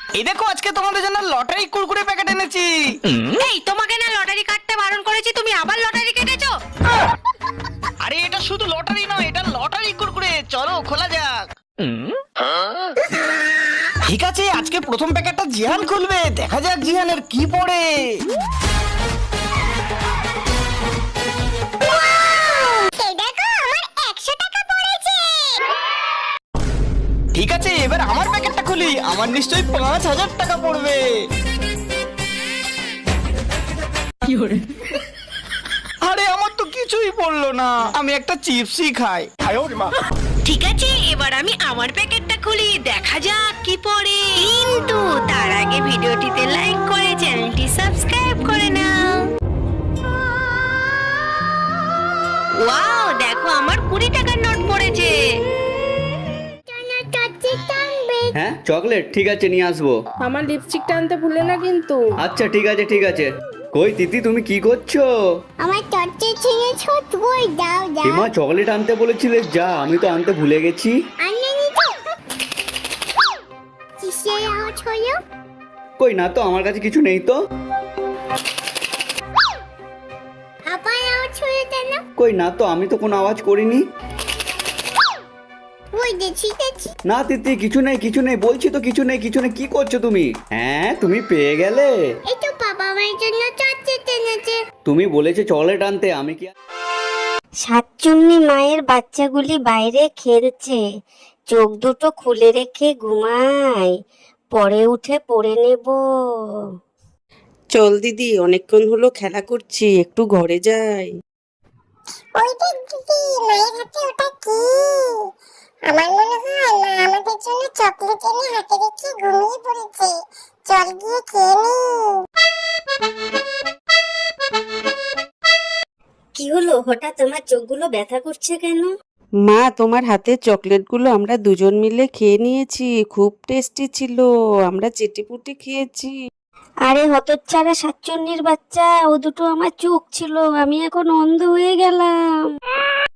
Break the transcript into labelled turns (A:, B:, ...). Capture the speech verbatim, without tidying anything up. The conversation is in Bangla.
A: এই দেখো আজকে তোমাদের জন্য লটারি কুরকুরে প্যাকেট এনেছি।
B: এই তোমাকে না লটারি কাটতে বারণ করেছি, তুমি আবার লটারি কেটেছো?
A: আরে এটা শুধু লটারি নয়, এটা লটারি কুরকুরে, চলো খোলা যাক। ঠিক আছে, আজকে প্রথম প্যাকেটটা জিহান খুলবে, দেখা যাক জিহানের কি পড়ে। ঠিক আছে, এবার আমার প্যাকেটটা খুলি, আমার নিশ্চয়ই পাঁচ হাজার টাকা পড়বে। আরে আমার তো কিছুই পড়লো না, আমি একটা চিপসই খাই।
B: ঠিক আছে, এবার আমি আমার প্যাকেটটা খুলি, দেখা যাক কি পড়ে। কিন্তু তার আগে ভিডিওটিতে লাইক করে চ্যানেলটি সাবস্ক্রাইব করে নাও। ওয়াও, দেখো আমার কুড়ি টাকার নোট পড়েছে।
C: হ্যাঁ চকলেট, ঠিক আছে নিয়ে আসবো।
D: আমার লিপস্টিকটা আনতে ভুলে না কিন্তু।
C: আচ্ছা ঠিক আছে ঠিক আছে। কই তিতি, তুমি কি করছো?
E: আমার চটচে ছিঁড়েছো, তুই দাও দাও।
C: এমা চকলেট আনতে বলেছিলে, যা, আমি তো আনতে ভুলে গেছি।
E: আনে নি তো। কিসের আওয়াজ হলো?
C: কই না তো, আমার কাছে কিছু নেই তো।
E: আবার আওয়াজ হলো কেন?
C: কই না তো, আমি তো কোনো আওয়াজ করিনি।
E: ওই দেখছি দেখছি।
C: না তিতি, কিছু নেই কিছু নেই, বলছি তো কিছু নেই কিছু নেই। কি করছো তুমি? হ্যাঁ তুমি পেয়ে গেলে।
E: এই তো বাবা আমার জন্য চটচে এনেছে।
C: তুমি বলেছো চকলেট আনতে, আমি কি
F: সাতচুন্নি মায়ের বাচ্চাগুলি বাইরে খেলছে, চোখ দুটো খুলে রেখে ঘুমায়, পরে উঠে পড়ে নেব।
D: চল দিদি, অনেকক্ষণ হলো খেলা করছি, একটু ঘরে যাই।
E: ওই দেখ দিদি, মায়ের হাতে ওটা কি? আমার মনে হয় মা আমাদের জন্য চকলেট এনে হাতে রেখে ঘুমিয়ে পড়েছে। চল গিয়ে খেয়ে নি।
F: কি হলো, হঠাৎ তোমার চোখগুলো ব্যথা করছে কেন?
D: মা, তোমার হাতের চকলেটগুলো আমরা দুজন মিলে খেয়ে নিয়েছি, খুব টেস্টি ছিল, আমরা চেটিপুটি খেয়েছি।
F: আরে হতচ্ছাড়া সাতচুন্নির বাচ্চা, ও দুটো আমার চোখ ছিল, আমি এখন অন্ধ হয়ে গেলাম।